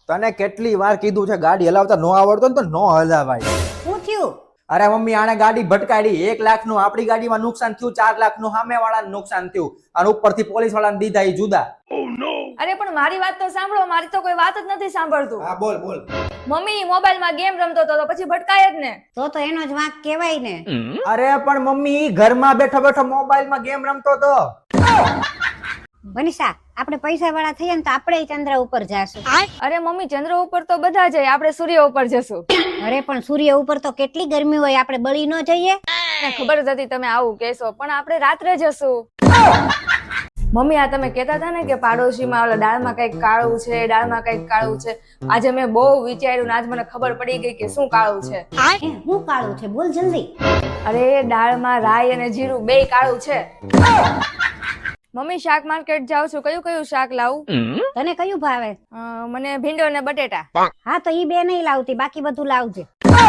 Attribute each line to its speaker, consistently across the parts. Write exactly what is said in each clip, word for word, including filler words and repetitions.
Speaker 1: તને કેટલી વાર કીધું છે ગાડી હલાવતા નો આવડતો ને તો નો હલાવાય.
Speaker 2: શું થયું?
Speaker 1: અરે મમ્મી આને ગાડી ભટકાડી એક લાખ નું આપણી ગાડીમાં નુકસાન થયું, ચાર લાખ નું સામે વાળાને નુકસાન થયું અને ઉપરથી પોલીસ વાળાને દીધા ઈ જુદા.
Speaker 3: અરે પણ મારી વાત તો સાંભળો, મારી તો કોઈ વાત જ નથી સાંભળતું.
Speaker 1: હા બોલ બોલ.
Speaker 3: મમ્મી મોબાઈલ માં ગેમ રમતો હતો તો પછી ભટકાય જ ને.
Speaker 2: તો તો એનો જ વાંક કહેવાય ને.
Speaker 1: અરે પણ મમ્મી ઘરમાં બેઠો બેઠો મોબાઈલ માં ગેમ રમતો હતો.
Speaker 2: મનીષા, આપણે પૈસા વાળા થઈએ ને તો આપણે ચંદ્ર ઉપર જાશું.
Speaker 3: અરે મમ્મી ચંદ્ર ઉપર તો બધા જાય, આપણે સૂર્ય ઉપર જશું.
Speaker 2: અરે પણ સૂર્ય ઉપર તો કેટલી ગરમી હોય, આપણે બળી ન જઈએ?
Speaker 3: મને ખબર જ હતી તમે આવું કહેશો, પણ આપણે રાત્રે જશું. મમ્મી આ તમે કહેતા હતા ને કે પાડોશીમાં ઓલા દાળમાં કઈક કાળું છે, દાળમાં કઈક કાળું છે. આજે મેં બહુ વિચાર્યું ને આજ મને ખબર પડી ગઈ કે શું કાળું છે.
Speaker 2: એ હું કાળું છે? બોલ જલ્દી.
Speaker 3: અરે દાળમાં રાઈ અને જીરું બેય કાળું છે. મમ્મી શાક માર્કેટ જાઉં છું, કયું કયું શાક લાવું?
Speaker 2: તને કયું ભાવે?
Speaker 3: અ, મને ભીંડો ને બટેટા.
Speaker 2: હા તો ઈ બે નહીં લાવતી, બાકી બધું લાવજે.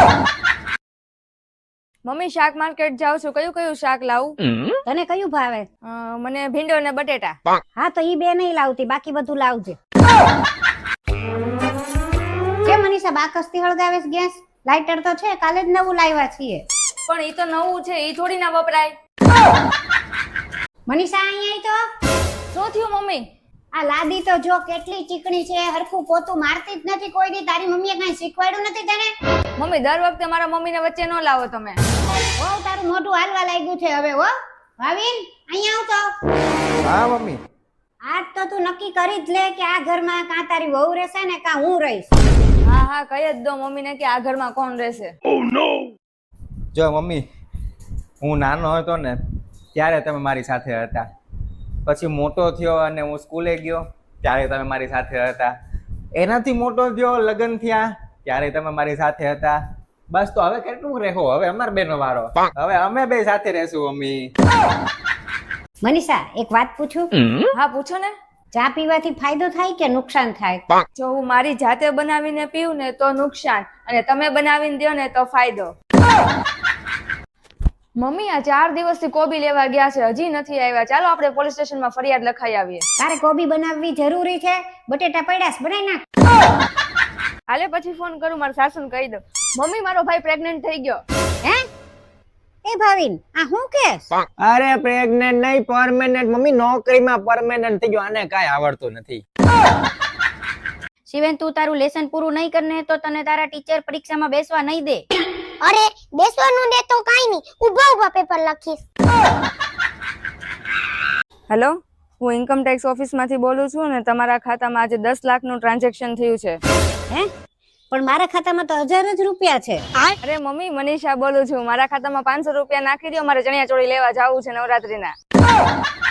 Speaker 3: મમ્મી શાક માર્કેટ જાઉં છું, કયું કયું શાક લાવું?
Speaker 2: તને કયું ભાવે?
Speaker 3: અ, મને ભીંડો ને બટેટા.
Speaker 2: હા તો ઈ બે નહીં લાવતી, બાકી બધું લાવજે. કેમ મનીષા બાકસથી હળગાવે છે ગેસ? લાઇટર તો છે, કાલે જ નવું લાવ્યા છીએ.
Speaker 3: પણ ઈ તો નવું છે, ઈ થોડી ના વપરાય.
Speaker 2: મનીષા અહીંયા તો
Speaker 3: શું થયું મમ્મી?
Speaker 2: આ લાદી તો જો કેટલી ચીકણી છે, હરખું પોતું મારતી જ નથી કોઈ દી. તારી મમ્મીએ કઈ શીખવાડ્યું નથી તને?
Speaker 3: મમ્મી દર વખતે મારા મમ્મીને વચ્ચે ન લાવો તમે.
Speaker 2: ઓ તારું મોઢું હાલવા લાગ્યું છે હવે. હો ભાવિન, અહીંયા આવ તો.
Speaker 1: હા મમ્મી.
Speaker 2: આજ તો તું નક્કી કરી જ લે કે આ ઘરમાં કાં તારી વહુ રહેશે ને કાં હું રહીશ.
Speaker 3: હા હા કહી જ દો મમ્મીને કે આ ઘરમાં કોણ રહેશે.
Speaker 1: જો મમ્મી, હું નાનો હતો ને ત્યારે તમે મારી સાથે હતા, પછી મોટો થયો અને હું સ્કૂલે ગયો ત્યારે તમે મારી સાથે હતા, એનાથી મોટો થયો લગ્ન થયા ત્યારે તમે મારી સાથે હતા. બસ તો હવે કેટલું રહેવો, હવે અમાર બેનો વારો, હવે અમે બે સાથે રહેશું મમ્મી.
Speaker 2: મનીષા એક વાત પૂછું?
Speaker 3: હા પૂછો ને.
Speaker 2: ચા પીવાથી ફાયદો થાય કે નુકસાન થાય?
Speaker 3: જો હું મારી જાતે બનાવીને પીવું ને તો નુકસાન, અને તમે બનાવીને દો ને તો ફાયદો. મમ્મી આ ચાર દિવસથી કોબી લેવા ગયા છે, હજી નથી આવ્યા. ચાલો આપણે પોલીસ સ્ટેશનમાં ફરિયાદ લખાઈ આવીએ.
Speaker 2: તારે કોબી બનાવવી જરૂરી છે? બટેટા પડ્યા છે, બનાવી નાખ.
Speaker 3: હાલે પછી ફોન કરું, મારા સાસુને કહી દઉં. મમ્મી મારો ભાઈ પ્રેગ્નન્ટ થઈ ગયો.
Speaker 2: હે? એ ભાવિન, આ હું કેસ?
Speaker 1: અરે પ્રેગ્નેન્ટ નહીં, પરમેનન્ટ મમ્મી, નોકરીમાં પરમેનન્ટ થઈ ગયો. આને કાંઈ આવડતું નથી.
Speaker 2: શિવેન તું તારું લેસન પૂરું નહીં કરને તો તને તારા ટીચર પરીક્ષામાં બેસવા નહીં દે.
Speaker 4: અરે બેસવાનું દે તો કાઈ નહીં, ઊભા ઊભા પેપર લખીશ.
Speaker 3: હેલો, હું ઇન્કમ ટેક્સ ઓફિસમાંથી બોલું છું ને તમારા ખાતામાં આજે દસ લાખનું ટ્રાન્ઝેક્શન થયું છે.
Speaker 2: હે? પણ મારા ખાતામાં તો હજાર જ રૂપિયા છે.
Speaker 3: અરે મમ્મી મનીષા બોલું છું, મારા ખાતામાં પાંચસો રૂપિયા નાખી દો, મારે ચણિયા ચોળી લેવા જવું છે નવરાત્રીના.